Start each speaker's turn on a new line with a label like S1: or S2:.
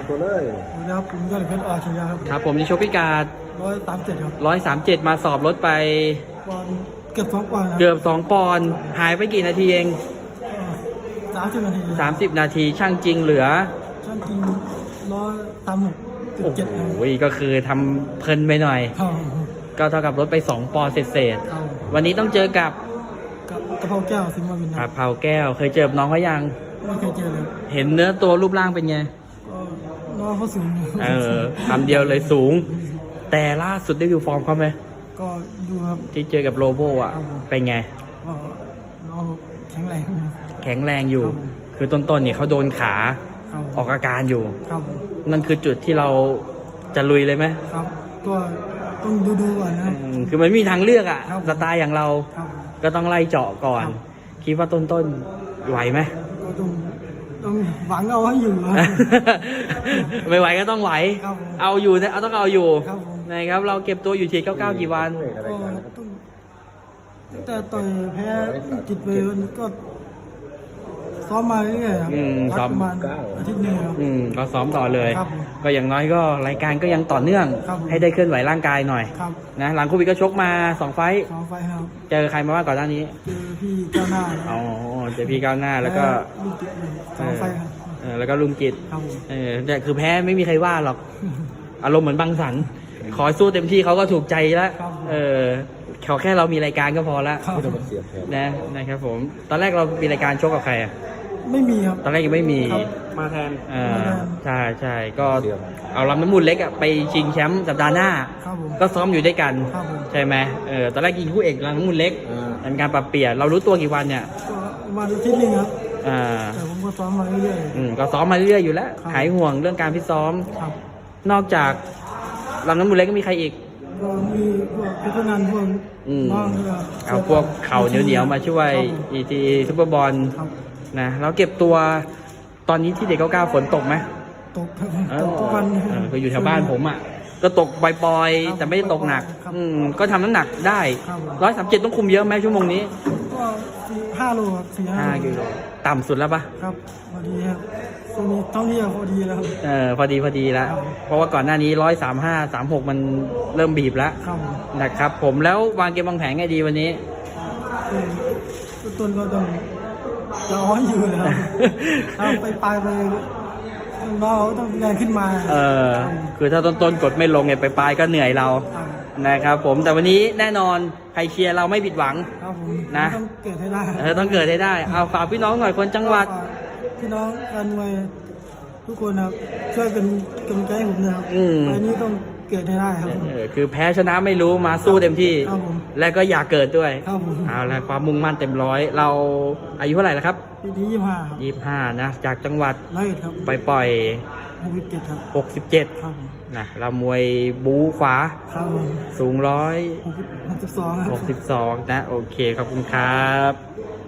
S1: ตัวเลย
S2: สวัสดีครับผมยอดเพชรอาชียะครับ
S3: ครับผมนี่ชกพิการ
S2: 137ครับ
S3: 137มาสอบลดไป
S2: ปอนด์เกือบ2 ปอนด์ครับ
S3: เกือบ2 ปอนด์หายไปกี่นาทีเอง
S2: 30 นาที
S3: 30 นาทีช่างจริงเหลือ
S2: ช่างจริง136.7
S3: โอ้โห
S2: ครับ
S3: ก็คือทำเพลินไปหน่อย
S2: ครับ
S3: ก็เท่ากับลดไป2 ปอนด์เศษ
S2: ครับ
S3: ๆวันนี้ต้องเจอกับ
S2: กับกระเพราแก้วสิงห์มาวินค
S3: ครั
S2: รั
S3: บบ เผาแก้วเคยเจอกับน้องเขายัง
S2: ไม่เคยเจอเลย
S3: เห็นเนื้อตัวรูปร่างเป็นไง
S2: ก็น้องเขาสูง
S3: คำเดียวเลยสูง แต่ล่าสุดได้ดูฟอร์มเขาไหม
S2: ก็ดูครับ
S3: ที่เจอกับโลโบอ่ะ
S2: ครับผม
S3: เป็นไง
S2: ก็น้องแข็งแรงครับ
S3: แข็งแรงอยู่
S2: ครับผม
S3: คือต้นๆเนี่ยเขาโดนขา
S2: ครับ
S3: ออกอาการอยู่
S2: ครับ
S3: นั่นคือจุดที่เราจะลุยเลยไหม
S2: ครับก็ต้องดูก่อนนะครับ
S3: คือมันไม่มีทางเลือกอ่ะ
S2: ครับ
S3: สไตล์อย่างเรา
S2: ครับ
S3: ก็ต้องไล่เจาะก่อน
S2: ครับ
S3: คิดว่าต้นๆไหวไหม
S2: ก็ต้องหวังเอาให้อยู่ครับ
S3: ไม่ไหวก็ต้องไหว
S2: ครับผม
S3: เอาอยู่นะเอาต้องเอาอยู่
S2: ครับผม
S3: นะครับเราเก็บตัวอยู่ที่99กี่วัน
S2: ก็ต้องตั้งแต่ต่อยแพ้จิตไปมันก็ซ้อมมาเรื่อยๆครับ
S3: ซ้อม
S2: ประมาณอาทิตย์หนึงครับ
S3: ก็ซ้อมต่อเลย
S2: ครับผม
S3: ก็อย่างน้อยก็รายการก็ยังต่อเนื่อง
S2: ครับผม
S3: ให้ได้เคลื่อนไหวร่างกายหน่อย
S2: ครับ
S3: นะหลังโควิดก็ชกมา2 ไฟต์
S2: 2 ไฟล์ครับ
S3: เจอใครมาบ้างก่อนหน้านี้
S2: เจอพี่เจ้าหน้านะค
S3: อ๋
S2: รั
S3: อบ เจอพี่ก้าวหน้าแล้วก็
S2: ลูกจิตเลย2 ไฟล์ครับ
S3: แล้วก็ลุงกิจ
S2: ครับผม
S3: แต่คือแพ้ไม่มีใครว่าหรอก อารมณ์เหมือนบังสัน ขอให้สู้เต็มที่เขาก็ถูกใจแล้ว
S2: ครับผม
S3: ขอแค่เรามีรายการก็พอละ
S2: ครับ
S1: ไม่ต้องมาเสียบแทน
S3: นะครับผม ตอนแรกเรามีรายการชกกับใครอ่ะ
S2: ไม่มีครับ
S3: ตอนแรกยังไม่มี
S2: ครับ
S1: มาแทน
S3: ใช่ก็เอาลำน้ำมูลเล็กอะไปชิงแชมป์สัปดาห์หน้า
S2: ครับผม
S3: ก็ซ้อมอยู่ด้วยกัน
S2: ครับผม
S3: ใช่ไหมตอนแรกยิงคู่เอกลำน้ำมูลเล็กเป็นการปรับเปลี่ยนเรารู้ตัวกี่วันเนี่ย
S2: ก็ประมาณอาทิตย์หนึงครับ
S3: อ่า
S2: แต่ผมก็ซ้อมมาเรื่อย
S3: ก็ซ้อมมาเรื่อยๆอยู่แล้ว
S2: ครับ
S3: หายห่วงเรื่องการพิตซ้อม
S2: ๆครับ
S3: นอกจากลำน้ำมูลเล็กก็มีใครอีก
S2: ก็มีพวกเพชรนันท์พวก น้องก็
S3: เอาพวกเข่าเหนียวๆมาช่วย
S2: ครับผม
S3: อีทีซุปเปอร์บอล
S2: ครับ
S3: นะเราเก็บตัวตอนนี้ที่เด็ก99ฝนตกไหม
S2: ตกครับตกทุกวัน
S3: ก็อยู่แถวบ้านผมอ่ะก็ตกปล่อย
S2: ครับ
S3: ๆแต่ไม่ได้ตกหนัก
S2: ครับ
S3: ก็ทำน้ำหนักได้
S2: ครับผม
S3: 137ต้องคุมเยอะไหมชั่วโมงนี้
S2: ก็5 โลครับ4-5
S3: 5กิโลต่ำสุดแล้วปะ
S2: ครับพอดีครับช่วงนี้ท่องเที่ยวพอดีแล้วครับ
S3: พอดีแล้ว
S2: ครับ
S3: เพราะว่าก่อนหน้านี้135 36มันเริ่มบีบแล้ว
S2: ครับผม
S3: นะครับผมแล้ววางเกมวางแผนไงดีวันนี้
S2: ต้นก็ต้องจะอ้อนอยู่นะครับเอาไปน้องต้องแรงขึ้นมา
S3: คือถ้าต้นๆกดไม่ลงเนี่ยไปปลายก็เหนื่อยเรา
S2: ครับ
S3: นะครับผมแต่วันนี้แน่นอนใครเชียร์เราไม่ผิดหวัง
S2: ครับผม
S3: นะ
S2: ต้องเกิดให้ได้
S3: ต้องเกิดให้ได้เอาฝากพี่น้องหน่อยคนจังหวัด
S2: ฝากพี่น้องแฟนมวยทุกคนครับช่วยเป็นกำลังใจให้ผมนะครับ
S3: อืม
S2: ไปนี้ต้องเกิดให้ได้ครับผม
S3: คือแพ้ชนะไม่รู้มาสู้เต็มที่
S2: ครับผม
S3: และก็อยากเกิดด้วย
S2: ครับผม
S3: เอาละความมุ่งมั่นเต็มร้อยเราอายุเท่าไหร่แล้วครับ
S2: ปีที่25
S3: 25นะจากจังหวัด
S2: 101ครับ
S3: ไปปล่อย
S2: 67ครับ
S3: 67
S2: ครับผม
S3: นะเรามวยบูขวา
S2: ครับผม
S3: สูง
S2: 62ครับ
S3: 162นะโอเคขอบคุณครับ